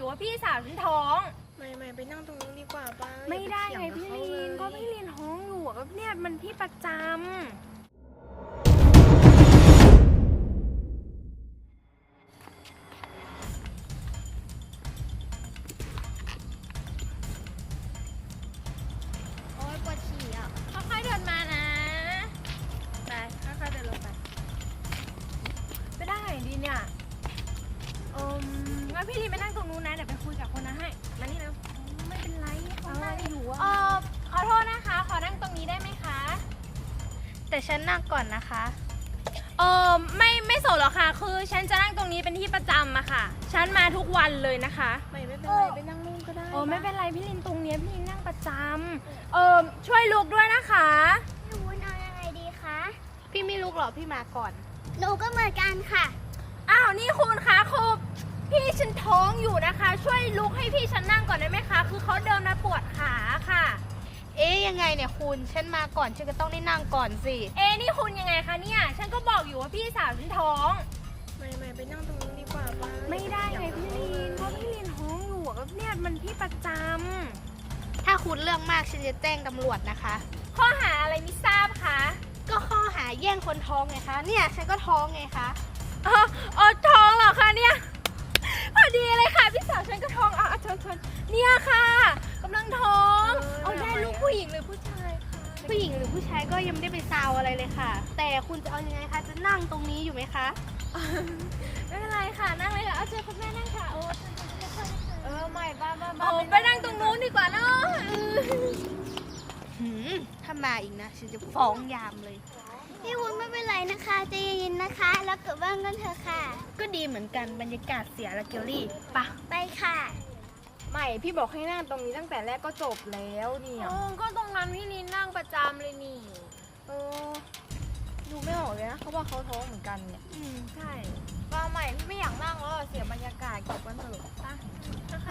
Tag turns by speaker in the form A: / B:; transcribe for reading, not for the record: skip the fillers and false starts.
A: อยู่ว่าพี่สาวฉันท้อง
B: ไม่ไปนั่งตรงนู้นดีกว่าป้า
A: ไม่ได้ไง
B: อย่าป
A: พี่
B: เถีย
A: ลิน
B: ง
A: ก็
B: บเขา
A: พี่ลินท้องอยู่อะก็เนี่ยมันที่ประจำ
B: โอ๊ยปวดฉี่อ่ะ
A: ค่อยๆเดินมานะไปค่อยๆเดินลงไปไปได้ไหนดีเนี่ยงั้นพี่ลินไปนั่งตรงนู้นนะเดี๋ยวไปคุยกับคนนั้นให้มานี่แล้วไม่เป็นไรเขานั่งอยู่อะขอโทษนะคะขอนั่งตรงนี้ได้ไหมคะ
B: แต่ฉันนั่งก่อนนะคะ
A: ไม่สนหรอกค่ะคือฉันจะนั่งตรงนี้เป็นที่ประจำอะค่ะฉันมาทุกวันเลยนะคะ
B: ไม่เป็นไรไปนั่งนู่นก็ได้
A: ไม่เป็นไรพี่ลินตรงเนี้ยพี่ลินนั่งประจำช่วยลุกด้วยนะคะ
C: พี่วุ้นเอายังไงดีคะ
B: พี่ไม่ลุกหรอพี่มาก่อน
C: หนูก็เหมือนกันค่ะ
A: อ้าวนี่คุณคะคือพี่ฉันท้องอยู่นะคะ ช่วยลุกให้พี่ฉันนั่งก่อนได้ไหมคะคือเขาเดินมาปวดขาค่ะ
B: เอ๊ยยังไงเนี่ยคุณฉันมาก่อนฉันก็ต้องได้นั่งก่อนสิ
A: นี่คุณยังไงคะเนี่ยฉันก็บอกอยู่ว่าพี่สาวฉันท้อง
B: ไม่ไปนั่งตรงนู้นดีกว่าป้า
A: ไม่ได้ไงพี่ลินเพราะพี่ลินท้องอยู่อะก็เนี่ยมันที่ประจำ
B: ถ้าคุณเรื่องมากฉันจะแจ้งตำรวจนะคะ
A: ข้อหาอะไรไม่ทราบคะ
B: ก็ข้อหาแย่งคนท้องไงคะเนี่ยฉันก็ท้องไงคะ
A: ท้องเหรอคะเนี่ยพอดีเลยค่ะพี่สาวฉันก็ท้องชนเนี่ยค่ะกำลังท้องเอาได้ลูกผู้หญิงหรือผู้ชายคะ
B: ผู้หญิงหรือผู้ชายก็ยังไม่ได้ไปซาวอะไรเลยค่ะ แต่คุณจะเอายังไงคะจะนั่งตรงนี้อยู่ไหมคะ
A: ไม่เป็นไรค่ะนั่งเลยค่ะเอาเชิญคุณแม่นั่งค่ะไม่บ้าไปนั่งตรงนู้นดีกว่าเนาะ
B: ถ้ามาอีกนะฉันจะฟ้องยามเลย
C: พี่วุ้นไม่เป็นไรนะคะใจเย็นๆนะคะ แล้วกลับบ้านกันเถอะค่ะ
B: ก็ดีเหมือนกันบรรยากาศเสียละเกลลี่ปะ
C: ไปค่ะ
A: ไม่พี่บอกให้นั่งตรงนี้ตั้งแต่แรกก็จบแล้วเนี่ยก็ตรงนั้นพี่ลินนั่งประจำเลยนี่ดูไม่ออกเลยนะเขาบอกเขาท้องเหมือนกันเนี่ยใช่ป้าใหม่พี่ไม่อยากนั่งแล้วเสียบรรยากาศเก็บกันเถอะป่ะ